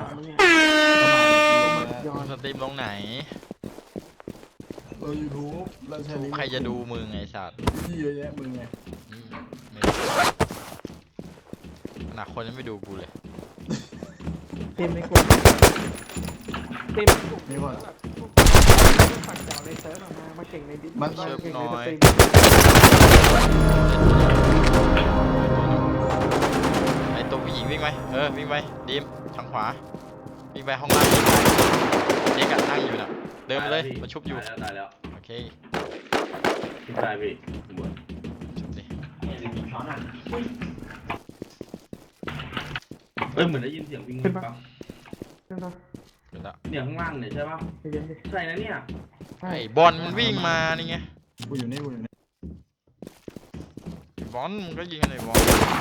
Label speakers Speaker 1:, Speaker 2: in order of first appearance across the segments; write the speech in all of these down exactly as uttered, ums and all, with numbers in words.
Speaker 1: มึงเนี่ย
Speaker 2: ย้อนสตรีมลงไหน
Speaker 3: เรายูทูบเราใช้ลิงก์
Speaker 2: ใครจะดูมึงไงสัตว์
Speaker 3: พี่เยอะแยะมึงไง
Speaker 2: ไม่ขนาดคนยังไม่ดูกูเลย
Speaker 1: เต็มในกลุ่มเต็มในกลุ่ม
Speaker 3: นี่ว่า
Speaker 1: แบบพวกฝั่งเจ้าในเซิร์ฟออกมามาเก่งในดิส
Speaker 3: มัน
Speaker 1: มาเก่งในสตรีม
Speaker 2: ไอตัวผู้หญิงวิ่งไหมเออวิ่งไปดีมทางขวาวิ่งไปห้องล่างเจ๊กะนั่งอยู่น่ะเดินไปเลยมาชุบอยู่
Speaker 4: ตายแล้วตายแล้ว
Speaker 2: โอเค
Speaker 4: พี่ตายพี่หมด
Speaker 2: ชุบดิ
Speaker 4: เอ้ยเหมือนได้ยินเสียงวิ่งปั๊บ
Speaker 1: ใช่ปะ
Speaker 2: เดี๋ยวละ
Speaker 4: เนี่ยข้างล่างเนี่ยใช่ป่ะ
Speaker 1: ใจเย็นดิ
Speaker 4: ใช่นะเนี่ย
Speaker 1: ใช่
Speaker 2: ไอ้บอลมันวิ่งมานี่ไง
Speaker 3: กูอยู่นี่กูอยู่นี่
Speaker 2: บอลมันก็ยิงอะไรบอล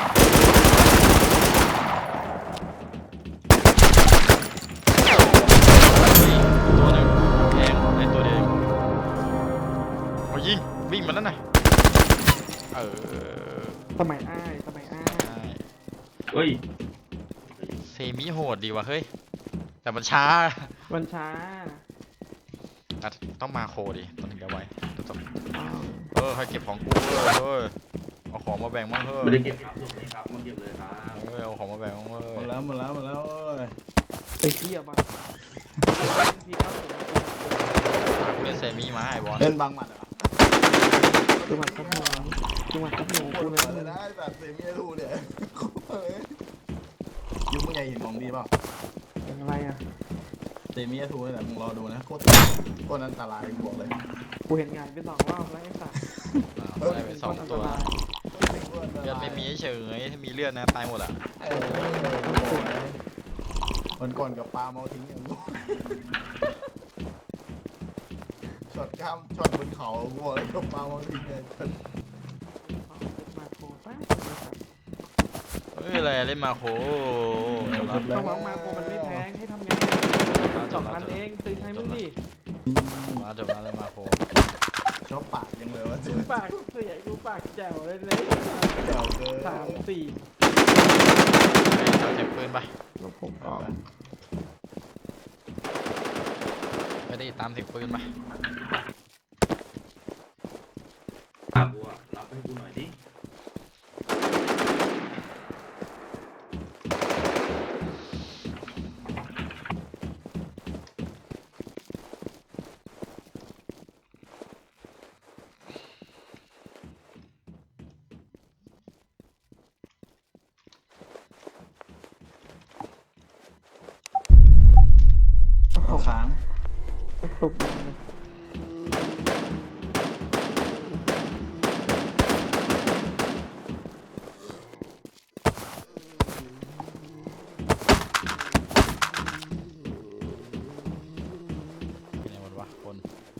Speaker 2: ตัวหนึ่งแทงไอ้ตัวเดียวโอ้ยิงวิ่งมาแล้วน่ะเออ
Speaker 1: สมัยอ้ายสมัยอ้าย
Speaker 4: เฮ้ย
Speaker 2: เซมิโหดดีว่ะเฮ้ยแต่มันช้า
Speaker 1: วันช้า
Speaker 2: อ่ะต้องมาโคดิต้องถึงจะไวต้อง
Speaker 1: อ้าว
Speaker 2: เออให้เก็บของกูเออเฮ้ยเอาของมาแบ่งบ้างเฮ้ย
Speaker 4: ไม่ได้เก็บครับลงเลยครับมาเก็บเลยครับ
Speaker 2: เออเอาของมาแบ่งบ้างเฮ้
Speaker 3: หมด
Speaker 2: ย
Speaker 3: แล้วหมดแล้วหมดแล้วเอ้ย
Speaker 1: ไปเที่ยวบ้างพี่ครับผม
Speaker 2: เล่นเซมิมาไอ้บอล
Speaker 3: เล่นบางหมัดเหรอ
Speaker 1: จังหวัดพัทยาจังหวัดพัทยา
Speaker 3: ป
Speaker 1: กู
Speaker 3: วด
Speaker 1: เล
Speaker 3: หัวเลย
Speaker 1: ย
Speaker 3: นะแบบเซมิทูเนี่ยเฮ้ยยุคมึงใหญ่เห็นของดีเปล่า
Speaker 1: อย่างไรอ่ะ
Speaker 3: เซมิทูนี่แหละมึงรอดูนะโคตรโคตรอันตรายกูบอกเลย
Speaker 1: กูเห็นงานไปสองรอบแล้วไอ้สัส
Speaker 2: อ้าวได้ไปสองตัวเลือดไม่มีเฉยถ้ามีเลือดนะตายหมดอ่ะ
Speaker 3: เออวันก่อนกับปลาเมาทิ้งอย่างกูช็อตข้ามช็อตบนเขากูบอกเลยกับปลาเมาทิ้งเลย
Speaker 1: มาโคตรป้า
Speaker 2: เฮ้ยอะไรเล่นมาโค
Speaker 1: ต้องร้องมาโคมันไม่แพงให้ทำไงสองพันเองซื้อใช้มึงดิ
Speaker 2: มาจบมาเลยมาโค
Speaker 3: ชอบปากยังเลยวะ
Speaker 1: กูปากเสียกูปากแจ๋วเลยเลย
Speaker 3: เจ๋วเกิน
Speaker 1: สามสี่
Speaker 2: เอาเก็บปืนไป
Speaker 1: แล้วผมก็
Speaker 2: ไม่ได้ตามถึงปืนไป
Speaker 4: ตากูอะรับให้กูหน่อยดิ
Speaker 3: เอาค้าง
Speaker 1: ตุบ
Speaker 2: ในวันวะคน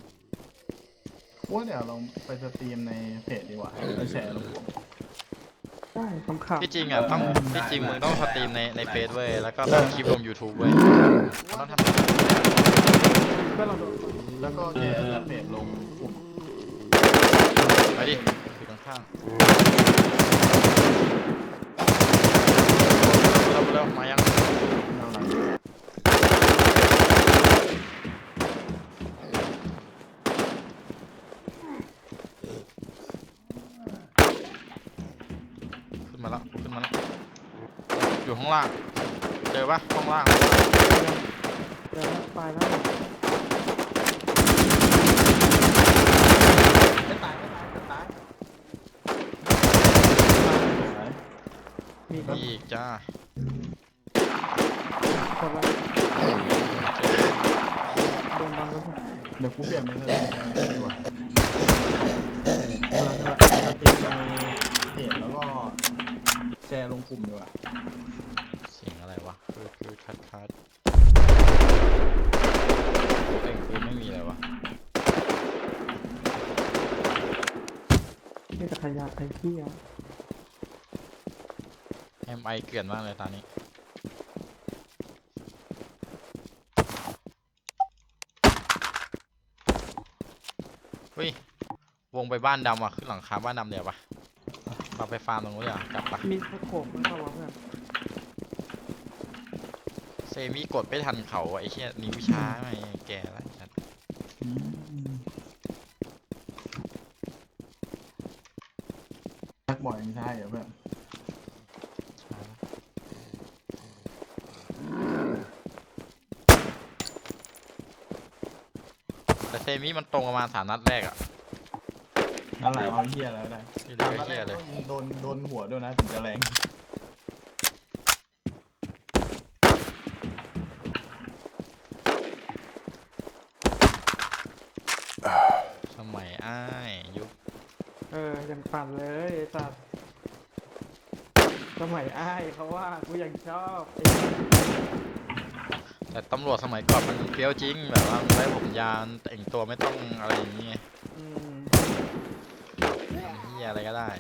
Speaker 3: ว่าเดี๋ยวเราไปสตรีมในเพจดีกว่าแล้วแชร์ลงกลุ่ม
Speaker 1: ได้คำข่าว
Speaker 2: ที่จริงอ่ะต้องที่จริงมึงต้องสตรีมในในเฟซเว้ยแล้วก็ทำคลิปลง YouTube เว้ยมึงต้องทำ
Speaker 1: เพื่อเราดู
Speaker 3: แล้วก็แชร์เพจลงกลุ่ม
Speaker 2: ไปดิอยู่ข้างๆเร็วเร็วมายัง
Speaker 3: เอาหลัง
Speaker 2: ขึ้นมาแล้วขึ้นมาแล้วอยู่ข้างล่างเจอปะข้างล่าง
Speaker 1: เดี๋ยวตายแล้ว
Speaker 3: ไม่ตายไม่ตายไม่ตาย
Speaker 1: มี
Speaker 2: มีอีกจ้า
Speaker 1: คนละโดนบังแล้ว
Speaker 3: เดี๋ยวกูเปลี่ยนเป็นอะไรดีกว่าเราจะสตรีมในเพจแล้วก็แชร์ลงกลุ่มดีกว่า
Speaker 2: เสียงอะไรวะคือคือคัดคัดเอ้ยคือไม่มีอะไรวะ
Speaker 1: นี่จะขยะใครเที่ยว
Speaker 2: เอ็มไอเกลื่อนมากเลยตอนนี้เฮ้ยวงไปบ้านดำอ่ะขึ้นหลังคาบ้านดำเดี๋ยวปะเราไปฟาร์มตรงนู้นเดี๋ยวกลับปะ
Speaker 1: มีสโคปมันก็วะเพื่อน
Speaker 2: เซมิกดไม่ทันเขาอะไอ้เหี้ยนิ้วช้าไงแกแล้วจัด
Speaker 3: อืมชักบ่อยไม่ใช่เหรอเพื่อน
Speaker 2: ช้าแต่เซมิมันตรงประมาณสามนัดแรกอะ
Speaker 3: นั่นแหละเอาเหี้ยแล้วได้
Speaker 2: ที่เหลือก็เหี้ยเลย
Speaker 3: โดนโดนหัวด้วยนะถึงจะแรง
Speaker 2: สมัยอ้ายยุค
Speaker 1: เออยังปั่นเลยไอ้สัตว์สมัยอ้ายเขาว่ากูยังชอบไอ้สัตว์
Speaker 2: แต่ตำรวจสมัยก่อนมันเฟี้ยวจริงแบบว่ามันได้ผมยาวแต่งตัวไม่ต้องอะไรอย่างเงี้ย
Speaker 1: อืม
Speaker 2: เฮียอะไรก็ได้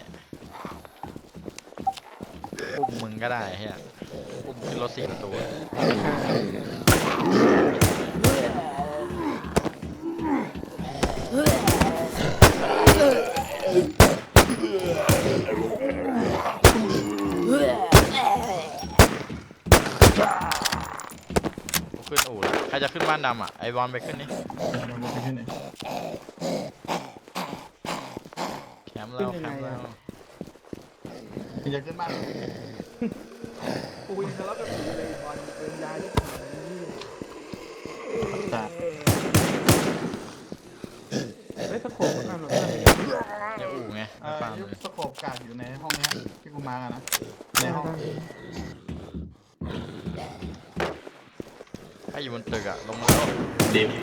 Speaker 2: อุ้มมึงก็ได้เฮียอุ้มขึ้นรถสี่ประตูอะขึ้นอู่แล้วใครจะขึ้นบ้านดำอ่ะไอบอลไปขึ้นนี่
Speaker 3: มันไม่ขึ้นเลย
Speaker 2: แคมป์แล้วแคมป์แล้ว
Speaker 3: มันจะขึ้นบ้าน
Speaker 1: กูยังทะเลาะกับผีเลยบอลเป็นยาที่
Speaker 3: แต่
Speaker 1: เฮ้ยตะโขบมันหนุนอะไร
Speaker 2: ในอู่ไง
Speaker 3: เอ
Speaker 2: ใน
Speaker 3: อ
Speaker 2: ฟาร์ม
Speaker 3: ยุค
Speaker 2: เลย
Speaker 3: สโคปกากอยู่ในห้องเนี้ยที่กูมากันนะในห้อง
Speaker 2: ถ้าอยู่บนตึกอ่ะลงมาแล้ว
Speaker 4: เดี๋ยว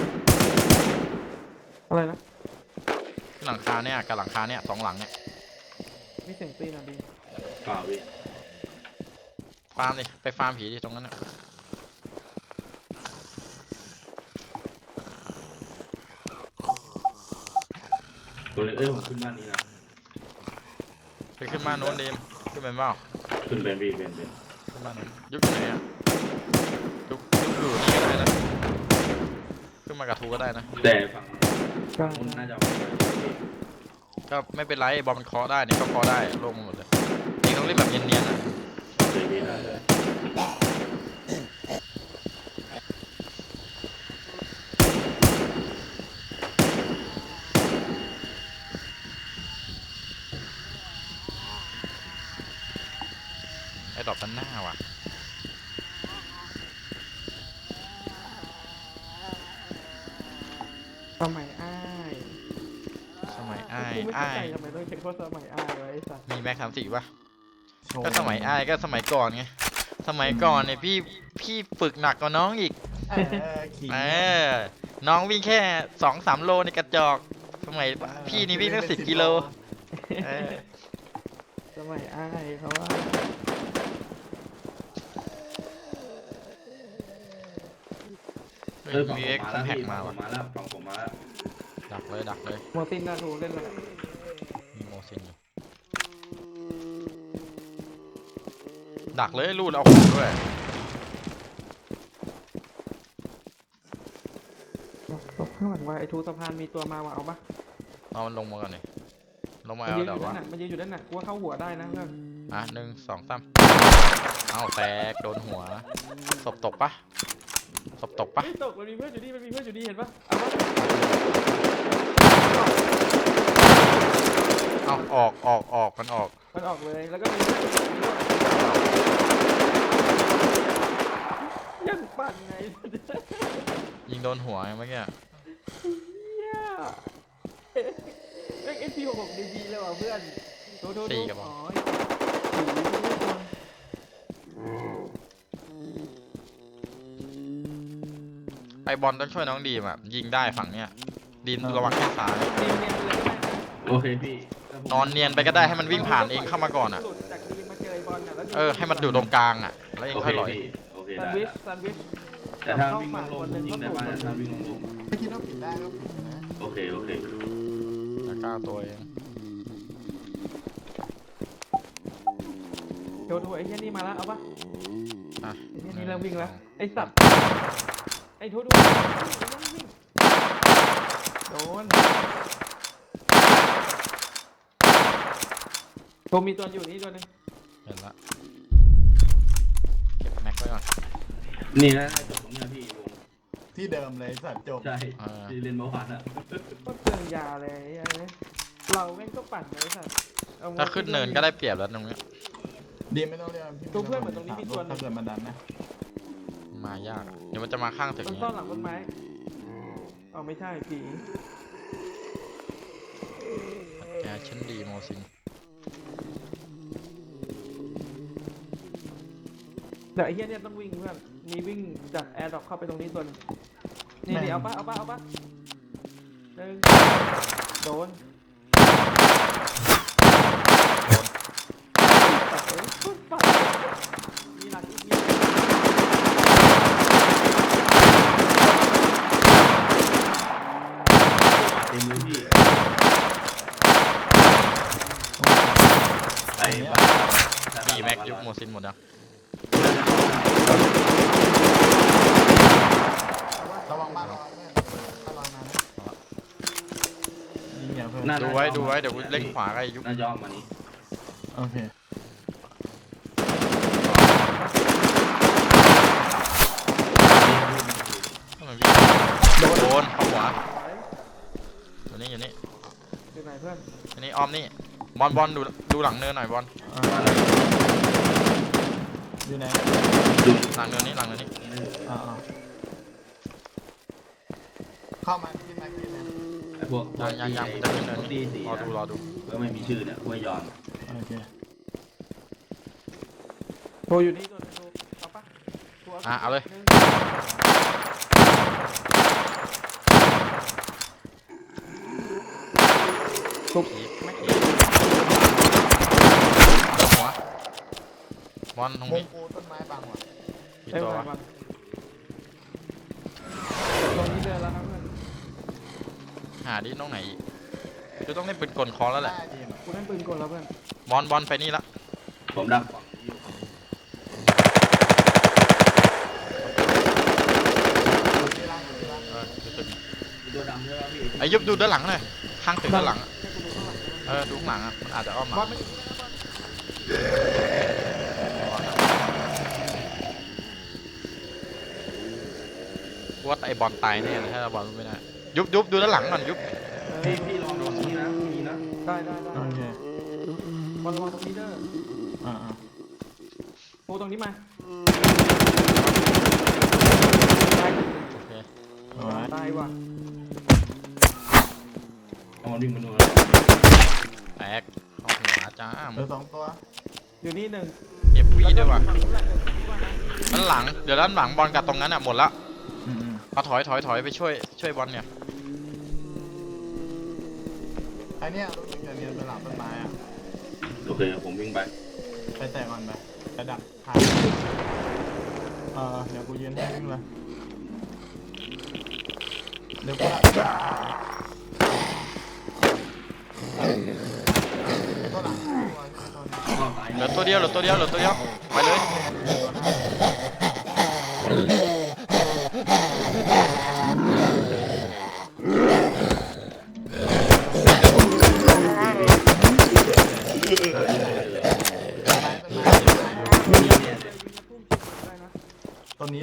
Speaker 1: อะไรนะ
Speaker 2: ขึ้นหลังคาเนี่ยกับหลังคาเนี่ยสองหลังเนี่ย
Speaker 1: มีเสียงตีนอ่ะดี
Speaker 4: เปล่าพี่
Speaker 2: ฟาร์มดิไปฟาร์มผีดิตรงนั้นน่ะ
Speaker 4: ตัวเล็กเอ้ยผมขึ้นบ้านนี้นะ
Speaker 2: ไปขึ้นบ้านโน้นดิมขึ้นเป็นเปล่า
Speaker 4: ขึ้นเป็นพี่เป็นเป็น
Speaker 2: ขึ้นบ้านโน้นยุบอยู่ไหนอ่ะยุบยุบอยู่นี่ก็ได้นะขึ้นมากับทูก็ได้นะ
Speaker 4: แต่ฝั่ง
Speaker 1: ก็
Speaker 4: นู้นน่าจะ
Speaker 2: ก็ไม่เป็นไรบอลมันเคาะได้นี่ก็เคาะได้ลงหมดเลยเองต้องเล่นแบบเนียนๆนะ
Speaker 4: เลยพี่ได้เลย
Speaker 2: ไอ้ดอกด้านหน้าว่ะ
Speaker 1: สมัยอ้าย
Speaker 2: สมัยอ้าย
Speaker 1: กูไม่เข้า
Speaker 2: อ้า
Speaker 1: ใจ
Speaker 2: ย
Speaker 1: ทำไมต้องเช็คว่าสมัยอ้ายไว้ไอ้สัตว์
Speaker 2: มีแม็กสามสี่ป่ะ
Speaker 3: โชว์
Speaker 2: ก็สมัยอ้ายก็สมัยก่อนไงสมัยก่อนเนี่ยพี่พี่ฝึกหนักกว่าน้องอีก
Speaker 3: เออขิง
Speaker 2: เออน้องวิ่งแค่สองสามโลในกระจอกสมัยพี่นี่วิ่งตั้งสิบกิโลเออ
Speaker 1: สมัยอ้ายเขาว่า
Speaker 2: เฮ้
Speaker 4: เอย อฝั่ง
Speaker 2: มี
Speaker 4: ผ
Speaker 2: เอ็
Speaker 4: ม
Speaker 2: ก
Speaker 4: มา
Speaker 2: ซ์
Speaker 4: แล้ว
Speaker 2: แพ็ก
Speaker 4: พี่
Speaker 2: มา
Speaker 4: ฝั่งผม
Speaker 2: ว่ะ
Speaker 4: มาแล้วฝั่งผมมาแล้ว
Speaker 2: ดักเลยดักเลย
Speaker 1: โมตินนาทูเล่นอะไร
Speaker 2: มีโมซินอยู่ดักเลยรูดเอาของด้วย
Speaker 1: ตบข้างหลังว่าไอ้ทูสะพานมีตัวมาว่าเอาปะ
Speaker 2: เอามันลงมาก่อนเลยลงมา
Speaker 1: มัน
Speaker 2: เอา
Speaker 1: ยืนอ
Speaker 2: เดี๋ยว
Speaker 1: ยู่ด้า
Speaker 2: ว่าน
Speaker 1: หนักมันยืนอยู่ด้านหนักกูว่าเข้าหัวได้นะเพื่อน
Speaker 2: อ่ะหนึ่งสองสามเอาแตกโดนหัวศพตกปะศพตกปะ
Speaker 1: ไม่ตกมันมีเพื่อนอยู่นี่มันมีเพื่อนอยู่นี่เห็นปะเอาปะ
Speaker 2: เอาออกออกออกมันออก
Speaker 1: มันออกเลยแล้วก็มีเพื่อนอยู่นี่ด้วยยังปั่นไง
Speaker 2: ยิงโดนหัวไงเมื่อกี้
Speaker 1: เหี้ยเอ็กเอ็นพีหกหกดีดีเลยว่ะเพื่อนโทษโทษโทษอ๋อผีไม่ควร
Speaker 2: ไอบอลต้องช่วยน้องดีมอ่ะยิงได้ฝั่งเนี้ยดีมระวังแค่ซ้าย
Speaker 1: เนียนเนียนไปเลยก็ได้นะ
Speaker 4: โอเคพี่
Speaker 2: นอนเนียนไปก็ได้ให้มันวิ่งผ่านเองเข้ามาก่อนอ่ะ
Speaker 1: หลุดจากดีมาเจอไอ้บอลน่ะแล้ว
Speaker 2: เออให้มันอยู่ตรงกลางอ่ะแล้วเอง
Speaker 4: โอ
Speaker 2: ค่
Speaker 4: เค
Speaker 2: อยลอย
Speaker 4: พี่โอเค
Speaker 1: แซน
Speaker 4: ได้
Speaker 1: ด์วิชแซนด์วิช
Speaker 4: แต่ถ้าวิ่งลงๆยิงได้บ้านถ้าวิ่งลง
Speaker 3: ไม่คิดว่าผิดได้ก็ผิดนะ
Speaker 4: ๆโอเคโอเค
Speaker 2: แล้วกล้าตัวเอง
Speaker 1: โดนหัวไอ้เหี้ยนี่มาแล้วเอาปะ
Speaker 2: อ่ะ
Speaker 1: ไอ้เหี้ยนี่เริ่มวิ่งแล้วไอ้สัตว์ไอ้โทษดูวิ่งโดนโทมีตัวอยู่นี่ตัวนึง
Speaker 2: เห็นละเก็บแม็กไว้ก่อน
Speaker 4: นี่นะจบตรงเนี้ยพี่วง
Speaker 3: ที่เดิมเลยสัตว์จบ
Speaker 4: ใช่ที่เล่นเมื่อวานอ่ะ
Speaker 1: ก็เตือนยาเลยไอ้เหี้ยเราแม่งก็ปั่นไปสัตว์เอ
Speaker 2: ถ้าขึ้นเนินก็ได้เปรียบแล้วตรงเนี้ย
Speaker 3: ดีไม่ต้องเรียกพี่
Speaker 1: ตัวเพื่อนเหมือนตรงนี้มีตัวหนึ
Speaker 3: ถ้าง เกิดมันดันนะ
Speaker 2: มายากเดี๋ยวมันจะมาข้างตึก
Speaker 1: มัน
Speaker 2: นี้
Speaker 1: ซ่อนหลังต้นไม้เอาไม่ใช่ผี
Speaker 2: แอร์ชั้นดีโมซิน
Speaker 1: เดี๋ยวไอ้เหี้ยเนี่ยต้องวิ่งเพื่อนมีวิ่งจากแอร์ดรอปเข้าไปตรงนี้ตัวหนึงนี่นี่เอาปะเอาปะเอาปะหนึ่งโดนปัดเอ้ยปุ๊บปัดมีหลังอีกมี
Speaker 4: เต็มเลยพี่ไป
Speaker 2: มีแม็กยุคโมซินหมดแล้ว
Speaker 3: ระวังบ้านระวังเพื่อนถ้าลอยมานะยิงอย่าเพิ่ม
Speaker 2: ดูไว้ดูไว้เดี๋ยวกูเล่นขวากับไอ้ยุค
Speaker 4: น่าจะอ้อมมานี่
Speaker 3: โอเค
Speaker 2: ทำไมวิ่งโดนเข้าขวาอยู่นี่อยู่นี่
Speaker 1: อยู่ไหนเพื่อน
Speaker 2: อยู่นี่อ้อมนี่บอลบอลดูดูหลังเนินหน่อยบอล
Speaker 3: อ่าอยู่ไหน
Speaker 4: ดู
Speaker 2: หลังเนินนี้หลังเนินนี้
Speaker 3: อ่าอ่าเข้ามาที่แม็กซี่นะ
Speaker 4: ไอ้พวก
Speaker 2: ยังยังยังจะขึ้นเนิน
Speaker 4: ดี
Speaker 2: นี้
Speaker 4: สี
Speaker 2: รอดูรอดู
Speaker 4: ก็ไม่มีชื่อเนี่ยห้วยยอน
Speaker 3: โอเค
Speaker 1: โทรอยู่นี่ตัวหนึงโทรเอาปะโทร
Speaker 2: อ่ะเอาเลย
Speaker 1: หนึ่ง
Speaker 2: อีกอีกหัวบอลตรง
Speaker 3: มุ
Speaker 2: นี้
Speaker 3: มปูต้นไม้บางว่ะ
Speaker 2: กี่
Speaker 1: เอ้ย
Speaker 2: ตัว
Speaker 1: มาว
Speaker 2: ะ
Speaker 1: มาตรงนี้เดินแล้วนะเพื่อน
Speaker 2: หาดิตรงไหนอีกจะต้องเล่นปืนกลคอแล้วแหละ
Speaker 3: ได้ดีม
Speaker 1: กูเล่นปืนกลแล้วเพื่อน
Speaker 2: บอลบอลไปนี่ละ
Speaker 4: ผมดักฝั่งนี้อยู่
Speaker 3: ที่ล่างที่ล่าง
Speaker 2: เออดูตึก
Speaker 4: มีตัวดำใช่ไหมพี่
Speaker 2: ไอ้ยุบดูด้านหลังหน่อยข้างตึกด้านหลังอะ
Speaker 1: ให้กูดูข้างหลังนะ
Speaker 2: เออดูข้างหลังอ่ะมันอาจจะอ้อมหลั
Speaker 1: บอล
Speaker 2: ง
Speaker 1: ไม่อยู่นี่นะบอล
Speaker 2: กูว่าไอ้บอลตายแน่เลยถ้าเราบอลไม่ได้ยุบยุบดูด้านหลังก่อนยุบ
Speaker 4: พี่พี่ลองดูตรงนี้นะมีนะ
Speaker 1: ได้ได้ได้
Speaker 3: โอเค
Speaker 1: บอลระวังตรงนี้เด้อ
Speaker 3: อ่าอ่า
Speaker 1: โทรตรงนี้มา
Speaker 2: โอเค
Speaker 3: เอาไว้
Speaker 1: ตายว่ะ
Speaker 4: เอามันวิ่งมาดู
Speaker 2: แตกเข้าหัวจ้า
Speaker 3: เหลือสองตัว
Speaker 1: อยู่นี่หนึ่ง
Speaker 2: เก็บวี่ด้วยว่ะ
Speaker 1: ฝั่งนู้นแหละเดี๋ยวคิดว่านะ
Speaker 2: ด้านหลังเดี๋ยวด้านหลังบอลกับตรงนั้นอ่ะหมดละ
Speaker 3: อืมอืม
Speaker 2: เอาถอยถอยถอยไปช่วยช่วยบอลเนี่ย
Speaker 3: ไอเนี้ยรู้สึกจะเรียนเป็นหลังต้นไม้อ่ะ
Speaker 4: โอเคผมวิ่งไป
Speaker 3: ไปแตะก่อนไประดับทางเออเดี๋ยวกูยืนให้วิ่งเลยเดี๋ยวกูละตัวหลังตัวใช่ไหมตัวนี้
Speaker 4: อ้อตาย
Speaker 2: เหลือตัวเดียวเหลือตัวเดียวเหลือตัวเดียวไปเลย
Speaker 1: ได้นะ
Speaker 3: ตัวนี้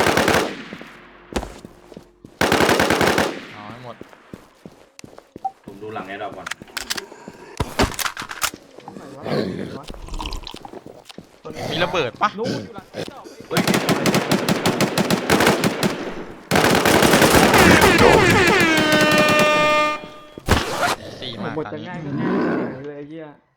Speaker 2: เอาให้หมด
Speaker 4: ผมดูหลังแอร์ดรอปก่อน
Speaker 1: ไหนวะไหนวะ
Speaker 3: ตัวนี้
Speaker 2: มีระเบิดปะ
Speaker 1: นู้นอยู่หลังไอ้ดอก
Speaker 4: เฮ้ย
Speaker 2: สี่
Speaker 1: ไอ้
Speaker 2: มาก
Speaker 1: บท
Speaker 2: ตอน
Speaker 1: จะ
Speaker 2: นี้
Speaker 1: ง่ายก็ง่ายเลยไอ้เหี้ย